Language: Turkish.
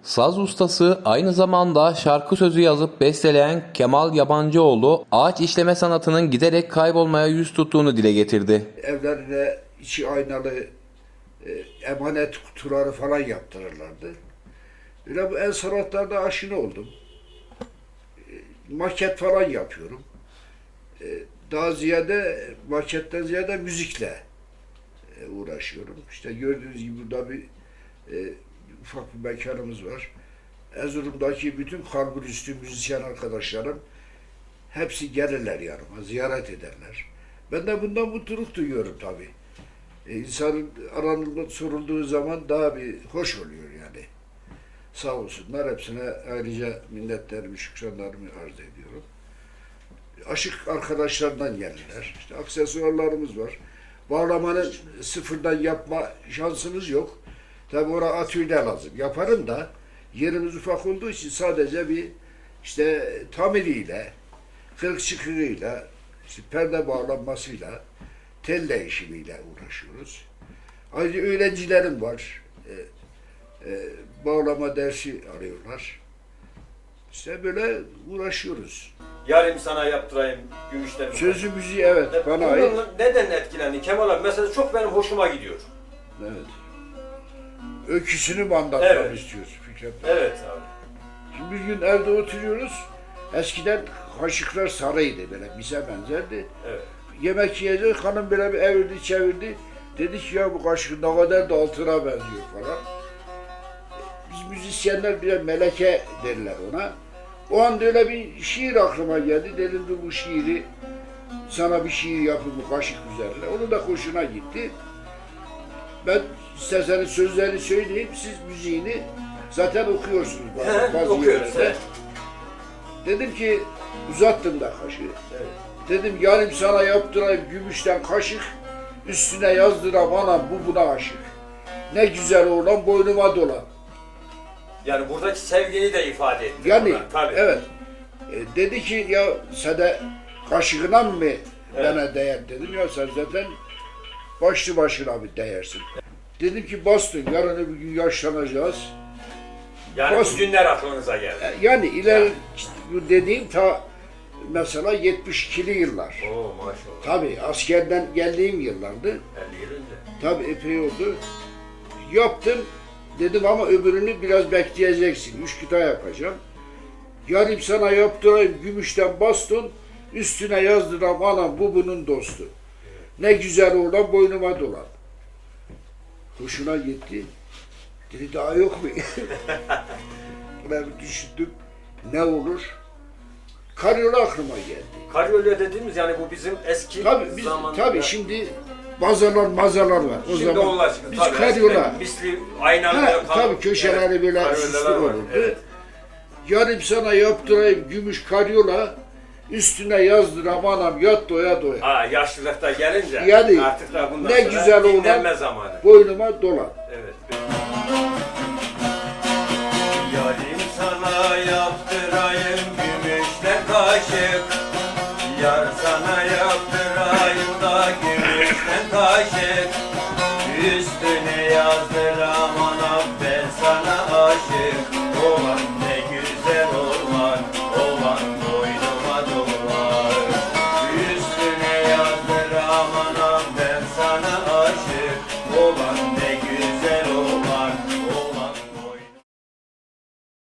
Saz ustası aynı zamanda şarkı sözü yazıp besteleyen Kemal Yabancıoğlu, ağaç işleme sanatının giderek kaybolmaya yüz tuttuğunu dile getirdi. Evlerine içi aynalı emanet kutuları falan yaptırırlardı. Öyle bu el sanatlarına aşina oldum. Maket falan yapıyorum. Daha ziyade, maketten ziyade müzikle uğraşıyorum. İşte gördüğünüz gibi burada bir ufak bir mekanımız var. Erzurum'daki bütün kalburüstü müzisyen arkadaşlarım hepsi gelirler yanıma, ziyaret ederler. Ben de bundan mutluluk duyuyorum tabii. İnsanın aranılma sorulduğu zaman daha bir hoş oluyor yani. Sağ olsunlar, hepsine ayrıca minnetlerimi, şükranlarımı arz ediyorum. Aşık arkadaşlardan gelirler. İşte aksesuarlarımız var. Bağlamanın sıfırdan yapma şansımız yok. Tabii oraya atölye lazım. Yaparım da yerimiz ufak olduğu için sadece bir işte tamiriyle, kırık çıkığıyla, işte perde bağlanmasıyla, tel değişimiyle uğraşıyoruz. Ayrıca öğrencilerim var. Bağlama dersi arıyorlar. İşte böyle uğraşıyoruz. Yarım sana yaptırayım gümüşten. Sözü müziği evet bana ait. Neden etkilendin Kemal abi? Mesela çok benim hoşuma gidiyor. Evet. Öyküsünü mü anlatmamı Evet. istiyorsun Fikret? Evet abi. Şimdi bir gün evde oturuyoruz. Eskiden kaşıklar sarıydı böyle bize benzerdi. Evet. Yemek yiyeceğiz, hanım böyle bir evirdi çevirdi. Dedi ki ya bu kaşık ne kadar da altına benziyor falan. Biz müzisyenler bir meleke derler ona. O anda öyle bir şiir aklıma geldi. Dedim ki bu şiiri sana bir şiir yapayım bu kaşık üzerine. Onun da hoşuna gitti. Ben isterseniz sözlerini söyleyeyim, siz müziğini zaten okuyorsunuz bazı Okuyoruz, yerlerde. evet. Dedim ki uzattım da kaşığı. Evet. Dedim yarım sana yaptırayım gümüşten kaşık, üstüne yazdıram anam bu buna aşık. Ne güzel oğlan boynuma dolan. Yani buradaki sevgiyi de ifade etti. Yani tabii. evet. Dedi ki ya sen de kaşığına mı bana değer dedim ya sen zaten başlı başına bir değersin. Dedim ki bastın yarın öbür gün yaşlanacağız. Yani Bas- bu günler aklınıza geldi. Yani ileri işte bu dediğim ta mesela 72'li yıllar. Oo maşallah. Tabii askerden geldiğim yıllardı. 50 yıl önce. Tabii epey oldu. Yaptım dedim ama öbürünü biraz bekleyeceksin. 3 kıta yapacağım. Yarım sana yaptırayım gümüşten baston, üstüne yazdıram anam bu bunun dostu. Ne güzel oğlan boynuma dolan. Hoşuna gitti. Dedi daha yok mu? Ben bir düşündüm. Ne olur? Karyola aklıma geldi. Karyolya dediğimiz yani bu bizim eski Tabii zamanında. tabii şimdi mazalar var. O Şimdi zaman onlar çıktı. biz Tabii, karyola. eskiden misli aynalı Ha, tabii köşeleri evet, böyle karyolar süslü var, olurdu. evet. Yarım sana yaptırayım gümüş karyola, üstüne yazdıram anam yat doya doya. Ha yaşlılıkta gelince Yani artık da bundan ne sonra güzel dinlenme oğlan zamanı. boynuma dolan. Evet. Yarim sana yaptırayım gümüşten kaşık. Yar sana yaptırayım da gümüşten kaşık. Üstüne yazdır